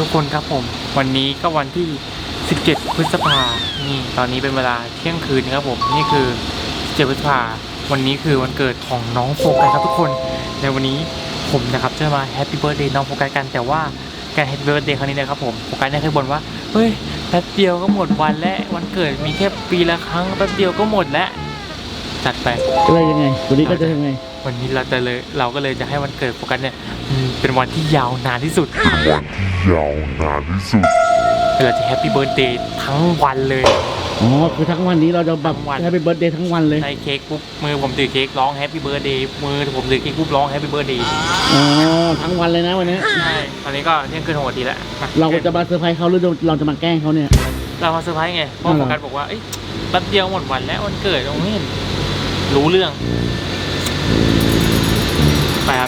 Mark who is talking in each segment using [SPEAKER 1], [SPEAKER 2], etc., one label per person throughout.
[SPEAKER 1] ทุกคนครับผมวันนี้ก็วันที่ 17 พฤษภานี่ตอนนี้เป็นเวลาเที่ยงคืนครับผมนี่คือ 17 พฤษภาวันนี้คือวันเกิดของน้องโฟกัสครับทุกคนในวันนี้ผมนะครับจะมาแฮปปี้เบิร์ธเดย์น้องโฟกัสกันแต่ว่าการแฮปปี้เบิร์ธเดย์ครั้งนี้นะครับผมโฟกัสเนี่ยเคยบ่นว่าเฮ้ยแป๊บเดียวก็หมดวันแล้ววันเกิดมีแค่ปีละครั้งแป๊บเดียวก็หมดแล้วจัดไป
[SPEAKER 2] อะไรยังไงวันนี้ก็จะยังไง
[SPEAKER 1] วันนี้เราก็เลยจะให้วันเกิดโฟกัสเนี่ยเป็นวันที่ยาวนานที่สุดเราจะแฮปปี้เบิร์ธเดย์ทั้งวันเลย
[SPEAKER 2] อ๋อคือทั้งวันนี้เราจะแบบ
[SPEAKER 1] ทั้งวัน
[SPEAKER 2] ให้เป็นเบิร์ธเดย์ทั้งวันเลย
[SPEAKER 1] ได้เค้กปุ๊บมือผมถือเค้กร้องแฮปปี้เบิร์ธเดย์มือผมถือเค้กปุ๊บร้องแฮปปี้เบิร์ธเดย์
[SPEAKER 2] อ๋อทั้งวันเลยนะวันนี้
[SPEAKER 1] ใช่ตอนนี้ก็เที่ยงคืน6 นาทีแล้ว
[SPEAKER 2] เราจะมาเซอร์ไพรส์เขาหรือเราจะมาแกล้งเขาเนี่ย
[SPEAKER 1] เรามาเซอร์ไพรส์ไงเพราะโฟกัสบอกว่าเอ้ยแป๊บเดียวหมดวันแล้ววันเกิดตรงนี้รู้เรื่องไปครับ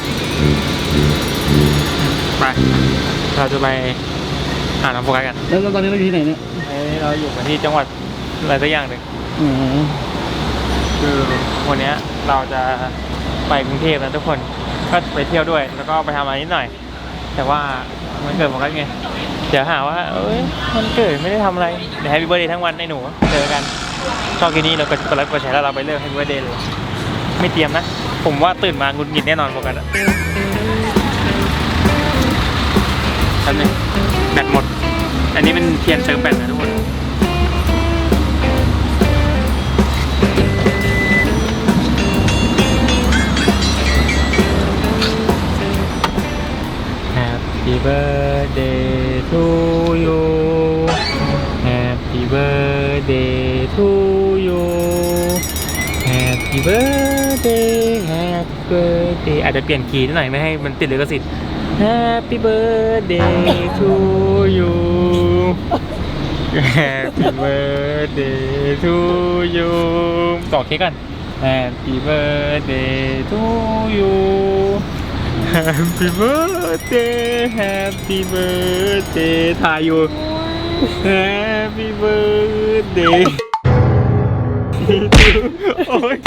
[SPEAKER 1] ไปเราจะไปหาน้องโฟกัสกัน
[SPEAKER 2] แล้วตอนนี้เราอยู่ที่ไหนเนี่ย
[SPEAKER 1] เราอยู่กันที่จังหวัดอะไรสักอย่างหนึ่ง
[SPEAKER 2] อ๋อ
[SPEAKER 1] คือวันนี้เราจะไปกรุงเทพนะทุกคนก็ไปเที่ยวด้วยแล้วก็ไปทำอะไรนิดหน่อย แต่ว่ามันเกิดโฟกัสไงเดี๋ยวหาว่าเอ้ยมันเกิดไม่ได้ทำอะไรเดี๋ยวแฮปปี้เบิร์ธเดย์ทั้งวันให้หนูเจอกันชอบกินนี้เราก็กดไลค์กดแชร์แล้วเราไปเลิกแฮปปี้เบิร์ธเดย์เลยไม่เตรียมนะผมว่าตื่นมาหงุดหงิดแน่นอนโฟกัสอะแป๊บนึงแบตหมดอันนี้เป็นเทียนเติมแบตนะทุกคนHappy birthday to you Happy birthday to you Happy birthday Happy birthday อาจจะเปลี่ยนคีย์นิดหน่อยไม่ให้มันติดลิขสิทธิ์ Happy birthday to you Happy birthday to you ต่อเค้กกัน Happy birthday to you Happy birthday ถ่ายอยู่ Happy birthday โอ้ย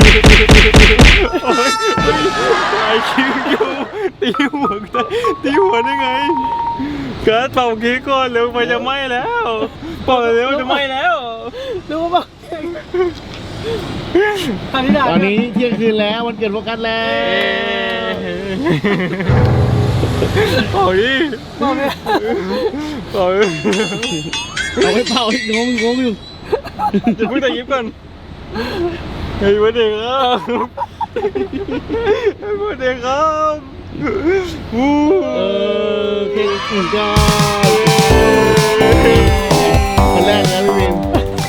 [SPEAKER 1] ถ่ายคิวอยู่ตีหัวได้ไงการเป่าเค้กก่อนเร็วไปจะไหม้แล้วเป่าเร็วจะไหม้แล้ว
[SPEAKER 2] รู้ป่ะตอนนี้เที่ยงคืนแล้ววันเกิดโฟกัสแล้ว
[SPEAKER 1] เป่าดิเป่า
[SPEAKER 2] เอาไปเป่าอีกงงอยู่
[SPEAKER 1] จะเพิ่งแต่ยิ้มก่อนเฮ้ยวันเด็กครับวันเด็กครับ
[SPEAKER 2] เค้กอุ่นจ้าคนแรกนะพี่วิม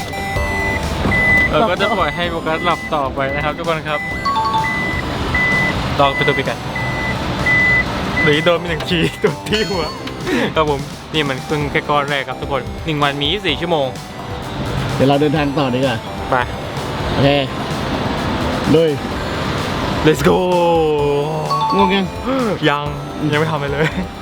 [SPEAKER 1] เราก็จะปล่อยให้โฟกัสหลับต่อไปนะครับทุกคนครับลองไปตัวไปกันหรือโดนเป็น1 ทีตัวที่หัวครับผมนี่มันเพิ่งแค่ก้อนแรกครับทุกคน1 วันมี24 ชั่วโมง
[SPEAKER 2] เดี๋ยวเราเดินทางต่อดีกว่า
[SPEAKER 1] ไป
[SPEAKER 2] โอเคด้วย
[SPEAKER 1] let's go
[SPEAKER 2] ง่วง
[SPEAKER 1] ยังไม่ทำอะไรเลย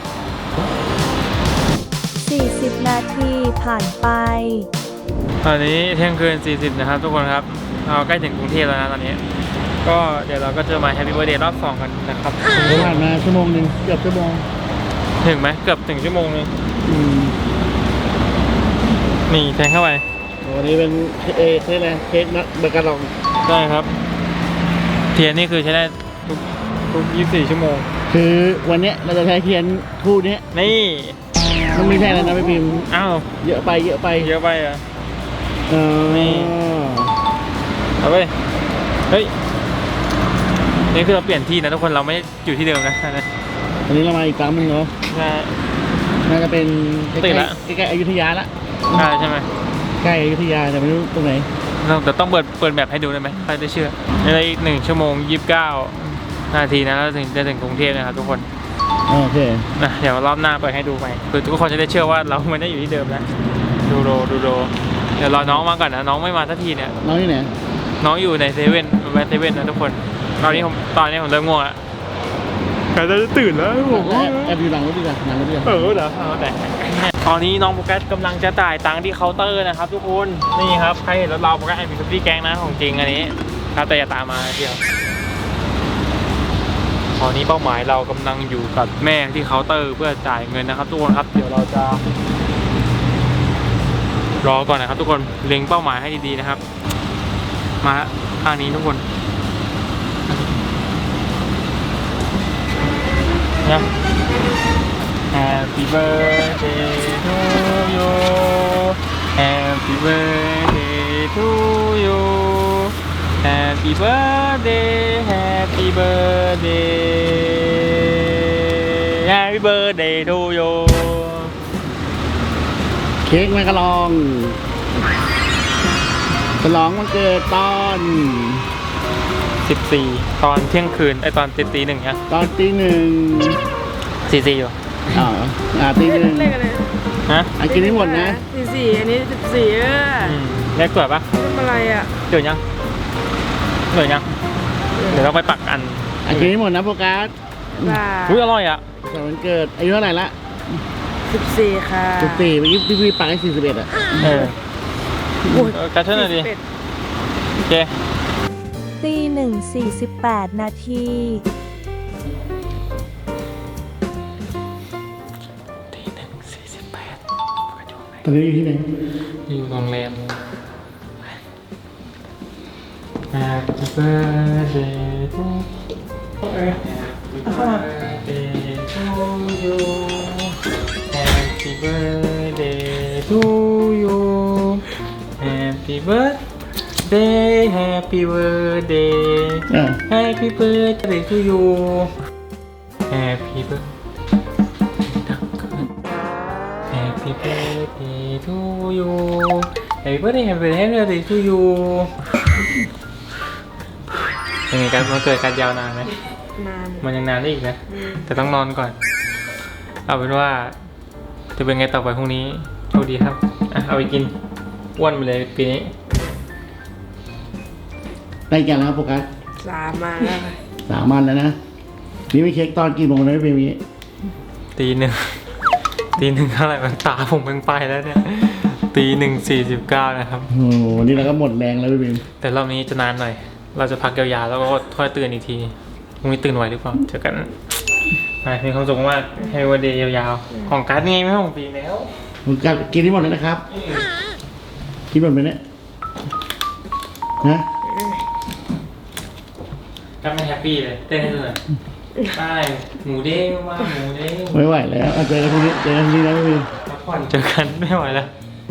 [SPEAKER 3] 40 นาทีผ่านไป
[SPEAKER 1] ตอนนี้เที่ยงคืน40นะครับทุกคนครับเราใกล้ถึงกรุงเทพแล้วนะตอนนี้ก็เดี๋ยวเราก็จะมาแฮปปี้เบิร์ธเดย์รอบ2กันนะครับ
[SPEAKER 2] ผ่านมาชั่วโมงนึงเกือบชั่วโมง
[SPEAKER 1] ถึงไหมเกือบถึงชั่วโมงนึงนี่แทงเข้าไป
[SPEAKER 2] วันนี้เป็นเค้กอะไรเค้กนะเบอร์กาลอง
[SPEAKER 1] ได้ครับเทียนนี่คือใช้ได้ทุก24 ชั่วโมง
[SPEAKER 2] คือวันนี้เราจะใช้เทียนคู่นี้
[SPEAKER 1] นี่
[SPEAKER 2] มันไม่ใช่แล้วนะพี่พิมพ์
[SPEAKER 1] อ้าว
[SPEAKER 2] เยอะไป
[SPEAKER 1] อ่ะนี่เอาไปเฮ้ยนี่คือเราเปลี่ยนที่นะทุกคนเราไม่อยู่ที่เดิมนะ
[SPEAKER 2] วันนี้เรามาอีกครั้งนึงเนาะน่าจะเป็น
[SPEAKER 1] ตื่นละ
[SPEAKER 2] ใกล้ๆอยุธยาละ
[SPEAKER 1] ใช่ไหม
[SPEAKER 2] ใกล้อยุธยาแต่ไม่รู้ตรงไหน
[SPEAKER 1] เราต้องเปิดแบบให้ดูได้ไหมใครจะเชื่อในอีก1 ชั่วโมง 29 นาทีนะเราจะถึงกรุงเทพนะครับทุกคน
[SPEAKER 2] โอเค
[SPEAKER 1] นะเดี๋ยวรอบหน้าเปิดให้ดูใหม่คือทุกคนจะได้เชื่อว่าเราไม่ได้อยู่ที่เดิมแล้วดูโรเดี๋ยวรอน้องมาก่อนนะน้องไม่มาสักทีเนี่ย
[SPEAKER 2] น้องที่ไหน
[SPEAKER 1] น้องอยู่ในเซเว่นแวะเซเว่นนะทุกคนตอนนี้ผมเริ่มง่วงแล้วแต่จะตื่นแล้วผม
[SPEAKER 2] แอบอยู่หลังรถดีกว่าเดี๋ยว
[SPEAKER 1] แต่ตอนนี้น้องโฟกัสกำลังจะจ่ายตังค์ที่เคาน์เตอร์นะครับทุกคนนี่ครับใครเห็นรถเราโฟกัสแอบมีคัฟฟี่แกงนะของจริงอันนี้ครับแต่อย่าตามมาเดียวตอนนี้เป้าหมายเรากำลังอยู่กับแม่ที่เคาน์เตอร์เพื่อจ่ายเงินนะครับทุกคนครับเดี๋ยวเราจะรอก่อนนะครับทุกคนเล็งเป้าหมายให้ดีๆนะครับมาข้างนี้ทุกคนนะ Happy birthday to you Happy birthday to you Happy birthday Happy birthday Happy birthday to you
[SPEAKER 2] เค้กแมกกะลองฉลองวันเกิดตอน
[SPEAKER 1] 14 ตอนเที่ยงคืนตอนตีหนึ่งนะ
[SPEAKER 2] ตอนตีหนึ่ง
[SPEAKER 1] 44อยู่
[SPEAKER 2] ตีหนึ่ง
[SPEAKER 4] เลขอะไร
[SPEAKER 1] ฮะ
[SPEAKER 2] อันกินให้หมดนะ
[SPEAKER 4] 44อันนี้14
[SPEAKER 1] เลขสวยปะ
[SPEAKER 4] ทำอะไรอ่ะ
[SPEAKER 1] เดี๋ยวยังเดี๋ยวยังเดี๋ยวเราไปปักอัน
[SPEAKER 2] อันกินให้หมดนะโฟกัส
[SPEAKER 4] บ้า
[SPEAKER 1] อุ้ยอร่อยอ่ะ
[SPEAKER 2] แต่วันเกิดอายุเท่าไหร่ละ
[SPEAKER 4] 14ค่ะ
[SPEAKER 2] 14เมื่อกี้พี่ปักให้41อ่ะ
[SPEAKER 1] เออ กระเทือนหน่อยดิ โอเค
[SPEAKER 3] ตีหนึ่ง48 นาที
[SPEAKER 1] ตีหนึ่ง48
[SPEAKER 2] ตอนนี้อยู่ที่ไหน
[SPEAKER 1] อยู่โรงแรม Happy birthday to Happy birthday to you Happy birthday to you Happy birthday Happy birthday Happy birthday to you Happy birthday Happy birthday to you Happy birthday Happy birthday to you เป็นไงกันมันเกิดการยาวนานไหม
[SPEAKER 4] นาน
[SPEAKER 1] มันยังนานได้อีกนะ แต่ต้องนอนก่อน เอาเป็นว่าจะเป็นไงต่อไปพรุ่งนี้โชคดีครับเอาไปกินอ้วนไปเลยปีนี้
[SPEAKER 2] ได้แก่แล้วโฟกัส
[SPEAKER 4] 3มาแล้วค่ะ
[SPEAKER 2] 3 วันแล้วนะ นี่ไม่เค้กตอนกี่โมงนะพี่เบบี้
[SPEAKER 1] ตีหนึ่งเท่าไหร่มันตาผมเพิ่งไปแล้วเนี่ย1:49นะครับ
[SPEAKER 2] โอ้โหนี่เราก็หมดแรงแล้วพี่เบบี้
[SPEAKER 1] แต่รอบนี้จะนานหน่อย เราจะพักยาวๆแล้วก็ค่อยตื่นอีกทีพรุ่งนี้ตื่นไหวหรือเปล่าเจอกันมีความสุขมากให้วันเดย์ยาวๆ ของการ์ดนี่ไม่ใช่ของปีแล้ว
[SPEAKER 2] โฟกัสกินให้หมดเลยนะครับ กินหมดไหมเนี่ยนะ
[SPEAKER 1] ก็ไม่แฮปปี้เลยเต้นให้ดูหน่อยใช่หมูเด้งว่าหมูเด้ง
[SPEAKER 2] ไม่ไหวแล้วเจอกันพรุ่งนี้นะพี่เบบี้
[SPEAKER 1] พักผ่อนเจอกันไม่ไหวแล้ว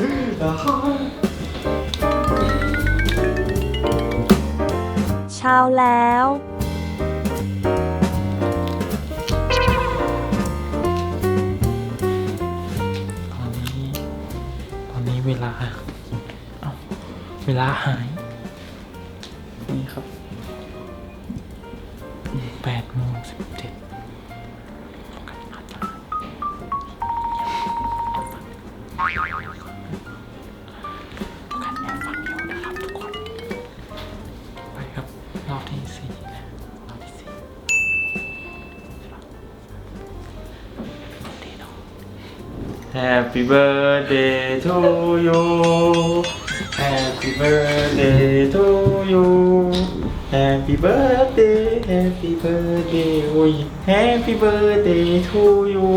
[SPEAKER 3] เช้าแล้ว
[SPEAKER 1] ตอนนี้เวลาหายนี่ครับ8:17ไปครับรอบที่4นะรอบที่4 Happy birthday to you Happy birthday to you Happy birthday Happy birthday โอ้ย Happy birthday to you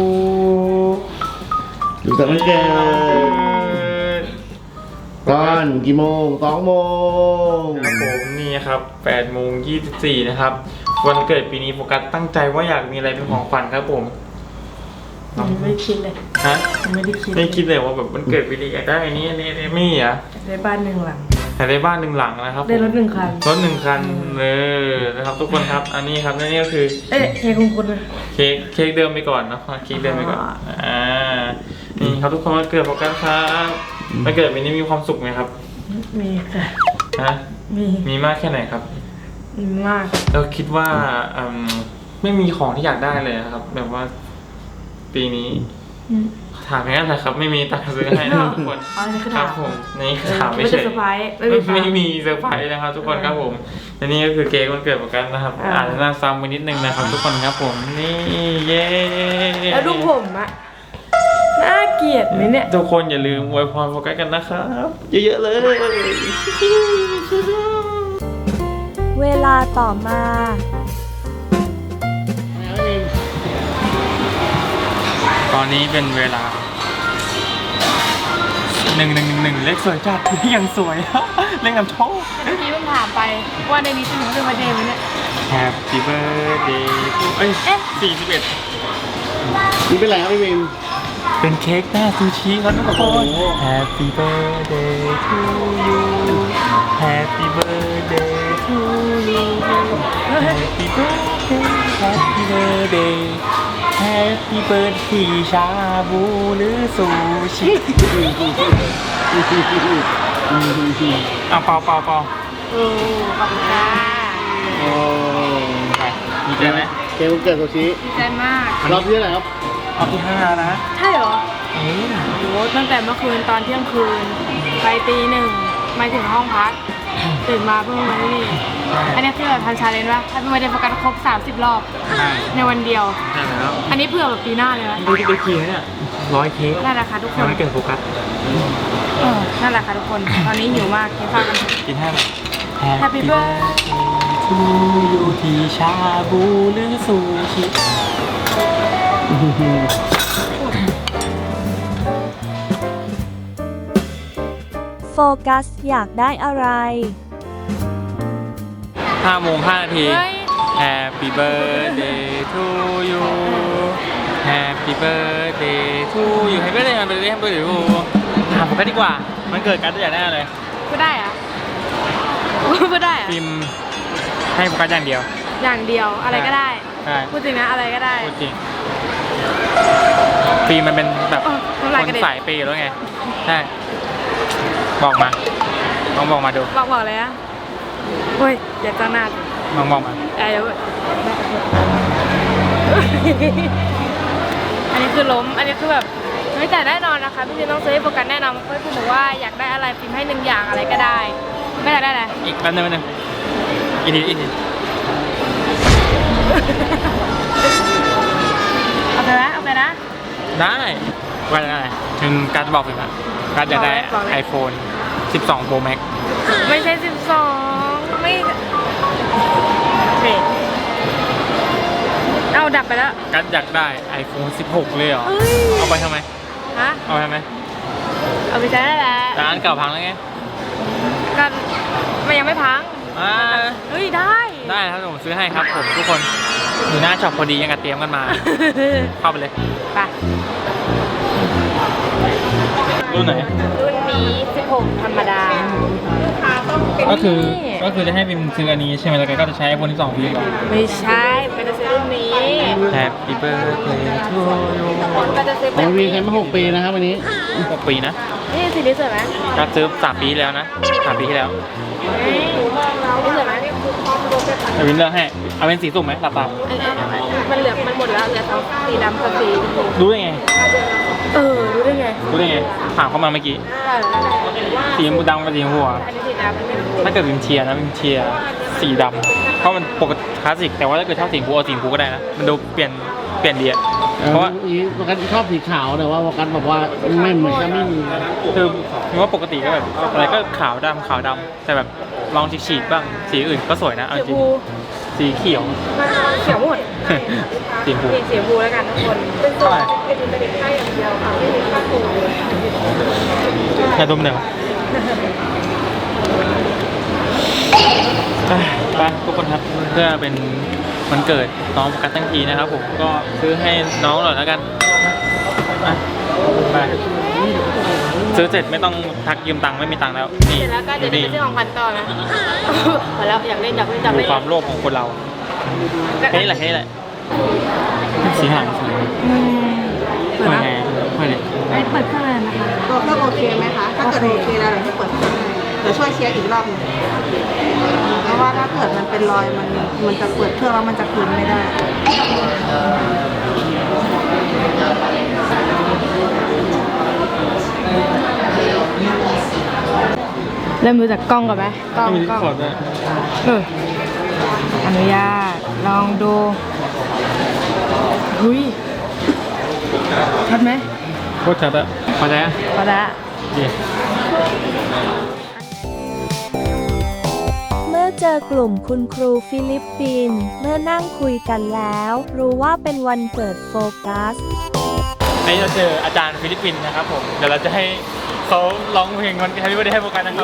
[SPEAKER 2] อยู่แต่วันเกิดตอนกี่โมง2 โมง
[SPEAKER 1] ครับผมนี่ครับ8:24นะครับวันเกิดปีนี้โฟกัสตั้งใจว่าอยากมีอะไรเป็นของขวัญครับผม
[SPEAKER 4] ไม่คิดเลย
[SPEAKER 1] ฮะ
[SPEAKER 4] ไม่ได้คิด
[SPEAKER 1] ไม่คิดเลยว่าแบบวันเกิดปีนี้อยากได้อันนี้ไม่มีอ่ะ
[SPEAKER 4] ได้บ้าน1 หลัง
[SPEAKER 1] อยากได้บ้าน1 หลังนะครับ
[SPEAKER 4] ได้รถ1 คัน
[SPEAKER 1] รถ1 คันนะครับทุกคนครับอันนี้ครับนี่ก็คือ
[SPEAKER 4] เค้กของคุณนะ
[SPEAKER 1] เค้กเดิมไปก่อนเนาะเค้กเดิมไปก่อนนี่ครับทุกคนวันเกิดโฟกัสครับวันเกิดปีนี้มีความสุขไหมครับ
[SPEAKER 4] มีค่ะ
[SPEAKER 1] ฮะ มีมากแค่ไหนครับ
[SPEAKER 4] มีมาก
[SPEAKER 1] เราคิดว่าไม่มีของที่อยากได้เลยนะครับ แบบว่า ปีนี้ถามแค่นั้นแหละครับ ไม่มีตังค์ซื้อให้นะครับทุกคน
[SPEAKER 4] อ๋อนี่คือ
[SPEAKER 1] ครั
[SPEAKER 4] ถา
[SPEAKER 1] บ
[SPEAKER 4] ม
[SPEAKER 1] ผมนี่คือถามไม่
[SPEAKER 4] ไม่
[SPEAKER 1] เฉ
[SPEAKER 4] ใช่
[SPEAKER 1] ย
[SPEAKER 4] เซอร์ไพรส์
[SPEAKER 1] ไม่มีเซอร์ไพรส์นะครับ ทุกคนครับผมและนี่ก็คือเค้กวันเกิดโฟกัสนะครับอาจจะน่าซ้ำไปนิดนึงนะครับ ทุกคนครับผมนี่เย้
[SPEAKER 4] แล้วดูผมอะน่าเกลียดไหมเนี่ย
[SPEAKER 1] ทุกคนอย่าลืมอวยพรโฟกัสกันนะครับ เยอะๆเลย
[SPEAKER 3] เวลาต่อมา
[SPEAKER 1] อนนี้เป็นเวลา1 เลขสวยจัดยังสวย เลขนำโชค
[SPEAKER 4] เมื่อกี้เพิ่งถามไปว่าในนี้จะถึงเป็นวันเดย์ไหมเนี่ย
[SPEAKER 1] Happy birthday to เอ้ย 41
[SPEAKER 2] นี่เป็นไรครับพี่วิน
[SPEAKER 1] เป็นเค้กหน้าซูชิครับทุกคน
[SPEAKER 2] โอ้โห
[SPEAKER 1] Happy birthday to you Happy birthday to you Happy birthday Happy birthday Happy birthday ชาบูหรือซูชิเปล่า
[SPEAKER 4] โอ้ขอบคุณค่ะ
[SPEAKER 2] โอ้
[SPEAKER 1] ไปมีใจไหม
[SPEAKER 2] เค้กวันเกิดโซชิ
[SPEAKER 4] ดีใจมาก
[SPEAKER 2] รอบที่เท่าไหร่ครับ
[SPEAKER 1] เอาที่5นะ
[SPEAKER 4] ใช่เหรอ
[SPEAKER 1] เออ
[SPEAKER 4] โอ้ตั้งแต่เมื่อคืนตอนเที่ยงคืน ไปตี 1มาถึงห้องพัก ตื่นมาเพิ่งมานี่ อันนี้คือแบบทันชาเลนจ์ว่าถ้าเป็นวันเดย์โฟกัสครบ30 รอบ
[SPEAKER 1] ใช่
[SPEAKER 4] ในวันเดียว
[SPEAKER 1] ใช่แล้ว
[SPEAKER 4] อันนี้เผื่อแบบปีหน้าเลยนะ
[SPEAKER 1] ดูไปขี่เนี่ย100 เค้ก
[SPEAKER 4] นั่นแหละค่ะทุกค
[SPEAKER 1] ยัง
[SPEAKER 4] น
[SPEAKER 1] ไม่เกินโฟกัส
[SPEAKER 4] นั่นแหละค่ะทุกคน ตอนนี้หิวมากกินข้าวกันเถอะ
[SPEAKER 1] กินให้แบบ
[SPEAKER 4] Happy birthday
[SPEAKER 1] to you ที่ชาบูหรือซูชิ
[SPEAKER 3] โฟกัสอยากได้อะไร
[SPEAKER 1] 5 โมง 5 นาที
[SPEAKER 4] เฮ้ย
[SPEAKER 1] Happy birthday to you Happy birthday to you Happy birthday Happy birthday Happy birthday to you ถามผมก็ดีกว่า มันเกิดการตัวอย่างแน่เลย
[SPEAKER 4] พูดได้เหรอะพูดได้เหรอะ
[SPEAKER 1] ฟิล์มให้โฟกัสอย่างเดียว
[SPEAKER 4] อย่างเดียวอะไรก็ได้
[SPEAKER 1] ใช่
[SPEAKER 4] พูดจริงนะอะไรก็ได้
[SPEAKER 1] พูดจริงฟิล์มมันเป็นแบบ
[SPEAKER 4] น้ำลาย
[SPEAKER 1] ค
[SPEAKER 4] กระ
[SPEAKER 1] น
[SPEAKER 4] เด็น
[SPEAKER 1] สายเปย์แล้วไง ใช่ บอกมาลองบอกมาดู
[SPEAKER 4] บอกเลยนะเฮ้ยอย่าจ้างหน้าสิ
[SPEAKER 1] ลองบอกมา
[SPEAKER 4] เดี๋ยวอันนี้คือล้ม อันนี้คือแบบไม่แต่แน่นอนนะคะพี่ฟิล์มต้องซื้อให้โฟกัสแน่นอนเพราะพี่ฟิล์มบอกว่าอยากได้อะไรฟิล์มให้1 อย่างอะไรก็ได้ไม่อยากได้อะไร
[SPEAKER 1] อีกแป๊บนึงอีกที
[SPEAKER 4] เอาไปนะเอาไปนะ
[SPEAKER 1] ได้ว่าจะได้ถึงการจะบอกฟิล์มอะการจะได้
[SPEAKER 4] บอกเลย
[SPEAKER 1] iPhone 12 Pro Max
[SPEAKER 4] ไม่ใช่12ไม่เบรกเอาดับไปแล้ว
[SPEAKER 1] การอยากได้ iPhone 16 เลยเหรอ
[SPEAKER 4] เอ้ย
[SPEAKER 1] เอาไปทำไม
[SPEAKER 4] ฮะ
[SPEAKER 1] เอาไปทำไม
[SPEAKER 4] เอาไปใช้ได้แล้ว
[SPEAKER 1] ร้านเก่าพังแล้วไง
[SPEAKER 4] กันมันยังไม่พัง
[SPEAKER 1] อ่า
[SPEAKER 4] เฮ้ยได้
[SPEAKER 1] ได้ครับผมซื้อให้ครับผมทุกคนอยู่หน้าช็อปพอดียังกับเตรียมกันมา เข้าไปเลย
[SPEAKER 4] ไป
[SPEAKER 1] รุ่นไหน
[SPEAKER 4] รุ่นนี้16ธรรมดา
[SPEAKER 1] ก็คือจะให้พิมซื้ออันนี้ใช่ไหมแล้วก็จะใช้ iPhone 12 Pro ก่อน
[SPEAKER 4] ไม่ใช่เป็นจะซื้อรุ่นนี้
[SPEAKER 1] Happy birthday to you
[SPEAKER 4] ก็จะซื้อ
[SPEAKER 2] ข
[SPEAKER 4] เป็
[SPEAKER 2] อน งพี่ใช้มา6 ปีนะครับวันนี้
[SPEAKER 1] 6 ปีนะ
[SPEAKER 4] นี่สีนี้สวยไหม
[SPEAKER 1] ก็ซื้อ3 ปีแล้วนะ3 ปีที่แล้ว
[SPEAKER 4] นี่สวยไหม
[SPEAKER 1] แต่วินเลือกให้เอาเป็นสีสุ่มไหมหลับตา
[SPEAKER 4] มันเหลือมันหมดแล้วเหลือทั้งสีดำกับสีชมพู
[SPEAKER 1] รู้ได้ไง
[SPEAKER 4] รู้ได้ไง
[SPEAKER 1] รู้ได้ไงถามเข้ามาเมื่อกี้สีชมพูดำกับสีชมพูอะ
[SPEAKER 4] อันนี้สีดำอันนี้สี
[SPEAKER 1] ถ้าเกิดวิมเชียร์นะวิมเชียร์สีดำเพราะมันปกติคลาสสิกแต่ว่าถ้าเกิดชอบสีชมพูเอาสีชมพูก็ได้นะมันดูเปลี่ยนดีอะเพราะว่า
[SPEAKER 2] วกันชอบสีขาวแต่ว่าวกันบอกว่าไม่เหมือนจะไม่มี
[SPEAKER 1] คือว่าปกติก็แบบอะไรก็ขาวดำแต่แบบลองฉีกๆบ้างสีอื่นก็สวยนะเอา
[SPEAKER 4] ช
[SPEAKER 1] จ
[SPEAKER 4] ม
[SPEAKER 1] ริง
[SPEAKER 4] พู
[SPEAKER 1] สีเขียว
[SPEAKER 4] เขียวหมด
[SPEAKER 1] สีชมพู
[SPEAKER 4] สีชมพูแล้วกันทุกคน
[SPEAKER 1] เท่าไหร่
[SPEAKER 4] เป็นค่าอย่างเดียวค่ะไม่มีค่าตัว
[SPEAKER 1] ยาดมหนึ่งไปทุกคนครับเพื่อเป็นวันเกิดน้องโฟกัสทั้งทีนะครับผมก็ซื้อให้น้องหน่อยแล้วกันอ่ะไปซื้อเสร็จไม่ต้องทักยืมตังค์ไม่มีตังค์แล้วนี่
[SPEAKER 4] เสร็จแล้วก็เดี๋ยวจะไปซื้อของขวัญต่อนะ พอแล้วอยากเล่น
[SPEAKER 1] ดูความโลภของคนเราแค่นี้แหละสีหางสวย
[SPEAKER 4] เปิด
[SPEAKER 1] ไม่
[SPEAKER 4] แล้ว
[SPEAKER 1] ไงไม่เลย
[SPEAKER 4] เปิดเครื่องเลยนะคะ
[SPEAKER 5] ตัวเครื่องโอเคไหมคะ ถ้าเกิดโอเคแล้วเราจะเปิดเครื่องให้เดี๋ยวช่วยเช็คอีกรอบหนึงเพราะว่าถ้าเกิดมันเป็นรอยมันจะเปิดเครื่องแล้วมันจะคืนไม่ได้
[SPEAKER 4] เริ่มดูจากกล้องก่อนไหมกล้อง
[SPEAKER 1] ไม่มี
[SPEAKER 4] กล้อง
[SPEAKER 1] ขอดด้วย
[SPEAKER 4] อนุญาตลองดูหุยชัดไหม
[SPEAKER 1] โคตรชัดอะพอใจอะ
[SPEAKER 4] พอละ
[SPEAKER 1] ดี
[SPEAKER 3] เมื่อเจอกลุ่มคุณครูฟิลิปปินส์เมื่อนั่งคุยกันแล้ว รู้ว่าเป็นวันเกิดโฟกัส
[SPEAKER 1] วันนี้เราเจออาจารย์ฟิลิปปินส์นะครับผมเดี๋ยวเราจะให้เขาร้องเพลงวัน Happy Birthday ให้โฟกัสนะครับ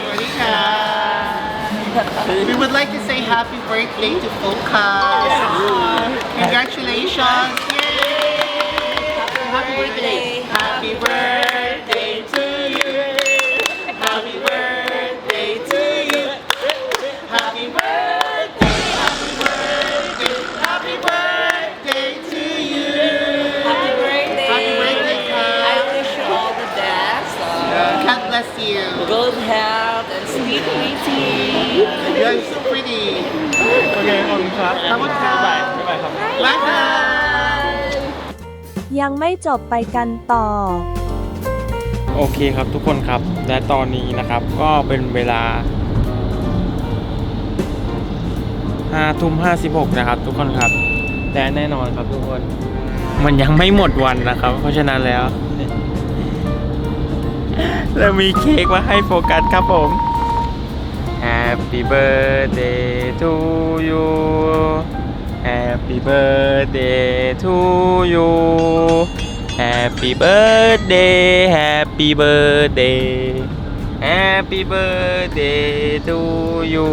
[SPEAKER 2] We would like to say happy birthday to Focus. Congratulations. Yay. Happy birthday. Happy birthday to you. Happy birthday to you. Happy birthday. Happy birthday. Happy birthday to you.
[SPEAKER 6] Happy birthday!
[SPEAKER 2] Happy birthday, Kat.
[SPEAKER 6] I wish you all the best.
[SPEAKER 2] God bless you.
[SPEAKER 6] Good health and sweet eating.
[SPEAKER 2] You're so pretty.
[SPEAKER 1] โอเคขอบคุณครับ
[SPEAKER 2] ขอบคุณครับ
[SPEAKER 1] บ๊ายบายบ๊ายบายครับ
[SPEAKER 2] Bye.
[SPEAKER 3] ยังไม่จบไปกันต่อ
[SPEAKER 1] โอเคครับทุกคนครับและตอนนี้นะครับก็เป็นเวลา5:56นะครับทุกคนครับแต่แน่นอนครับทุกคนมันยังไม่หมดวันนะครับ เพราะฉะนั้นแล้วเรามีเค้กมาให้โฟกัสครับผม Happy birthday to you Happy birthday to you Happy birthday Happy birthday Happy birthday to you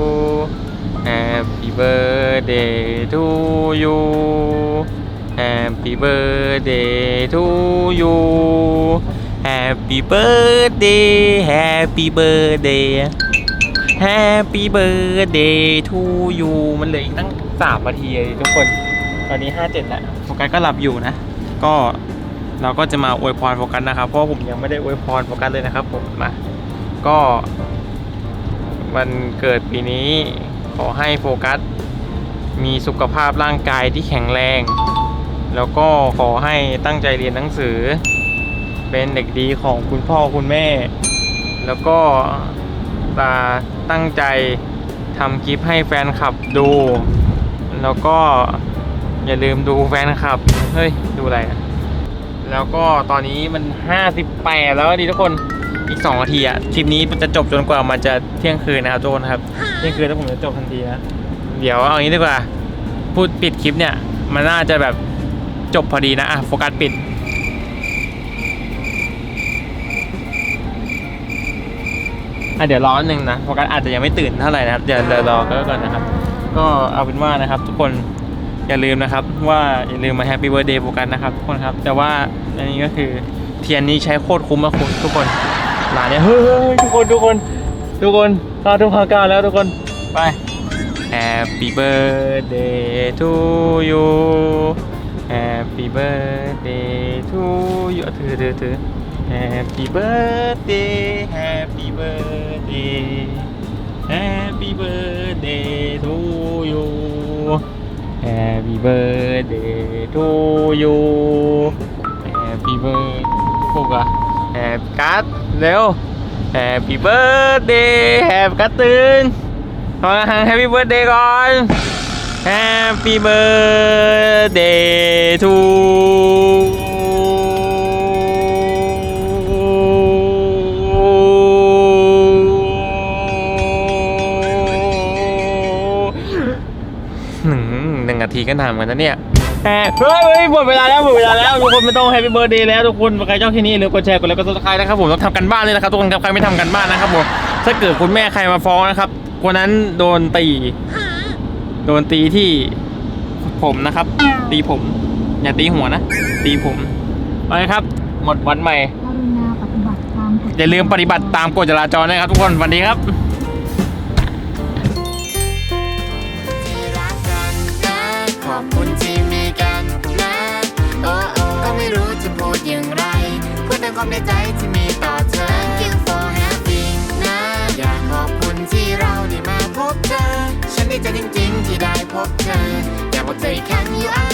[SPEAKER 1] Happy birthday to you Happy birthday to you Happy birthday Happy birthday Happy birthday to you มันเหลืออีกตั้ง3 นาทีเลยทุกคน ตอนนี้ 57 แล้วโฟกัสก็หลับอยู่นะ ก็เราก็จะมาอวยพรโฟกัสนะครับ เพราะผมยังไม่ได้อวยพรโฟกัสเลยนะครับผมมา ก็วันเกิดปีนี้ขอให้โฟกัสมีสุขภาพร่างกายที่แข็งแรง แล้วก็ขอให้ตั้งใจเรียนหนังสือ เป็นเด็กดีของคุณพ่อคุณแม่ แล้วก็ตั้งใจทำคลิปให้แฟนคลับดู แล้วก็อย่าลืมดูแฟนคลับ เฮ้ย ดูอะไรนะแล้วก็ตอนนี้มัน58แล้วดีทุกคน อีก2 นาทีอะคลิปนี้จะจบจนกว่ามันจะเที่ยงคืนนะครับทุกคนครับ เที่ยงคืนแล้วผมจะจบทันทีนะ เดี๋ยวเอางี้ดีกว่า พูดปิดคลิปเนี่ย มันน่าจะแบบจบพอดีนะ โฟกัสปิด เดี๋ยวรอนิดนึงนะโฟกัสอาจจะยังไม่ตื่นเท่าไหร่นะครับเดี๋ยวรอก่อนนะครับ ก็เอาเป็นว่านะครับทุกคนอย่าลืมนะครับว่าอย่าลืมมาแฮปปี้เบิร์ธเดย์โฟกัสนะครับทุกคนครับแต่ว่าอันนี้ก็คือเทียนนี้ใช้โคตรคุ้มมากทุกคนหลานเนี่ยเฮ้ยทุกคนเข้าทุ่ม9แล้วทุกคนไป Happy birthday to you Happy birthday to you ถือHappy birthday Happy birthday Happy birthday to you Happy birthday to you Happy birthday พวกอะHappy กัดเร็ว Happy birthday Happy กัดตื่นขอHappy birthday ก่อน Happy birthday to1 นาทีก็นานเหมือนกันนะเนี่ยเฮ้ยหมดเวลาแล้วทุกคนไม่ต้องแฮปปี้เบิร์ธเดย์แล้วทุกคนใครชอบที่นี่หรือกดแชร์กดไลค์กดซับสไครต์นะครับผมต้องทำกันบ้านเลยนะครับทุกคนครับใครไม่ทำกันบ้านนะครับผมถ้าเกิดคุณแม่ใครมาฟ้องนะครับคนนั้นโดนตีที่ผมนะครับตีผมอย่าตีหัวนะตีผมไปครับหมดวันใหม่อย่าลืมปฏิบัติตามกฎจราจรนะครับทุกคนสวัสดีครับ
[SPEAKER 7] ขอบคุณที่มีกันนะ โอ้ก็ไม่รู้จะพูดอย่างไรพูดแต่ความในใจที่มีต่อเธอ Thank you for having นะ อยากขอบคุณที่เราได้มาพบเธอ ฉันดีใจจริงๆที่ได้พบเธอ อยากบอกเธออีกครั้ง you are